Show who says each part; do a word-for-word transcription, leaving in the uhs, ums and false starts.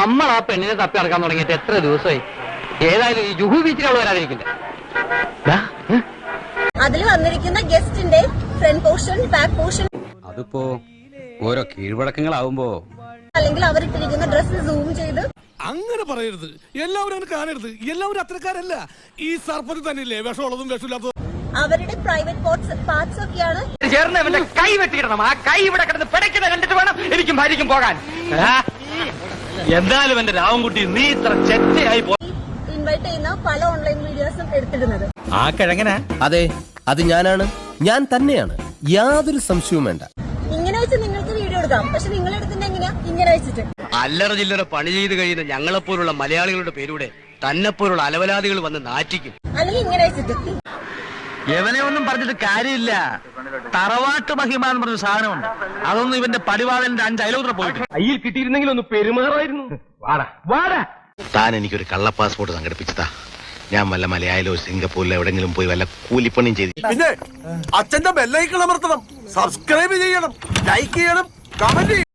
Speaker 1: നമ്മൾ ആ പെണ്ണിനെ തപ്പി നടക്കാൻ തുടങ്ങിയിട്ട് എത്ര ദിവസമായി? ഏതായാലും ഈ ജുഹു ബീച്ചിലുള്ള വരാതിരിക്കില്ല.
Speaker 2: അതിൽ വന്നിരിക്കുന്ന ഗസ്റ്റിന്റെ ഫ്രണ്ട് പോർഷൻ, ബാക്ക് പോർഷൻ,
Speaker 3: അതിപ്പോ ഓരോ കീഴ്വഴക്കങ്ങളാവുമ്പോ
Speaker 2: അല്ലെങ്കിൽ അവരിട്ടിരിക്കുന്ന ഡ്രസ്സ് സൂം ചെയ്ത്.
Speaker 4: അങ്ങനെ പറയരുത്, എല്ലാവരും അങ്ങനെ കാണരുത്. എല്ലാവരും അത്രക്കാരല്ല. ഈ സർപ്പത്തിൽ തന്നെയല്ലേ വിഷമുള്ളതും വിഷമില്ലാത്തതും.
Speaker 2: അവരുടെ പ്രൈവറ്റ് പാർട്സ് ഒക്കെയാണ്.
Speaker 1: ചേർന്ന് അവന്റെ കൈ വെട്ടിയിടണം. ആ കൈ ഇവിടെ കിടന്ന് പിടയ്ക്കുന്നത് കണ്ടിട്ട് വേണം എനിക്കും ഭാര്യയ്ക്കും പോകാൻ. എന്തായാലും എന്റെ രാവൻകുട്ടി, നീ ഇത്ര ചെറ്റയായി പോ.
Speaker 2: ഇൻവൈറ്റ് ചെയ്യുന്ന പല ഓൺലൈൻ വീഡിയോസും എടുത്തിടുന്നത്.
Speaker 5: ആ കിഴങ്ങനാ?
Speaker 6: അതെ, അത് ഞാനാണ്, ഞാൻ തന്നെയാണ്, യാതൊരു സംശയവും വേണ്ട.
Speaker 2: ഇങ്ങനെ വെച്ച് നിങ്ങൾക്ക് വീഡിയോ എടുക്കാം, പക്ഷെ നിങ്ങൾ എടുക്കുന്നത് എങ്ങനെയാ? ഇങ്ങനെ വെച്ചിട്ട്.
Speaker 1: അല്ലറ ചില്ലറ പണി ചെയ്ത് കഴിയുന്ന ഞങ്ങളെപ്പോലുള്ള മലയാളികളുടെ പേരൂടെ തന്നെപ്പോലുള്ള അലവലാദികൾ വന്ന് നാറ്റിക്കും.
Speaker 2: അല്ലെങ്കിൽ ഇങ്ങനെ വെച്ചിട്ട്.
Speaker 5: എവനെ ഒന്നും പറഞ്ഞിട്ട് കാര്യമില്ല. തറവാട്ട് മഹിമ എന്ന് പറഞ്ഞ സാധനമുണ്ട്. അതൊന്നും ഇവന്റെ പടിവാളന്റെ അഞ്ച് അയലോത്ര പോയിട്ട്
Speaker 1: കയ്യിൽ കിട്ടിയിരുന്നെങ്കിൽ ഒന്ന് പെരുമാറായിരുന്നു.
Speaker 5: വാടാ വാടാ.
Speaker 7: താൻ എനിക്കൊരു കള്ള പാസ്പോർട്ട് സംഘടിപ്പിച്ചതാ. ഞാൻ വല്ല മലയാളിലോ സിംഗപ്പൂരിലോ എവിടെങ്കിലും പോയി വല്ല കൂലിപ്പണിയും ചെയ്തു.
Speaker 4: പിന്നെ അച്ഛന്റെ ബെല്ലൈക്കൺ അമർത്തണം, സബ്സ്ക്രൈബ് ചെയ്യണം, ലൈക്ക് ചെയ്യണം, കമന്റ് ചെയ്യണം.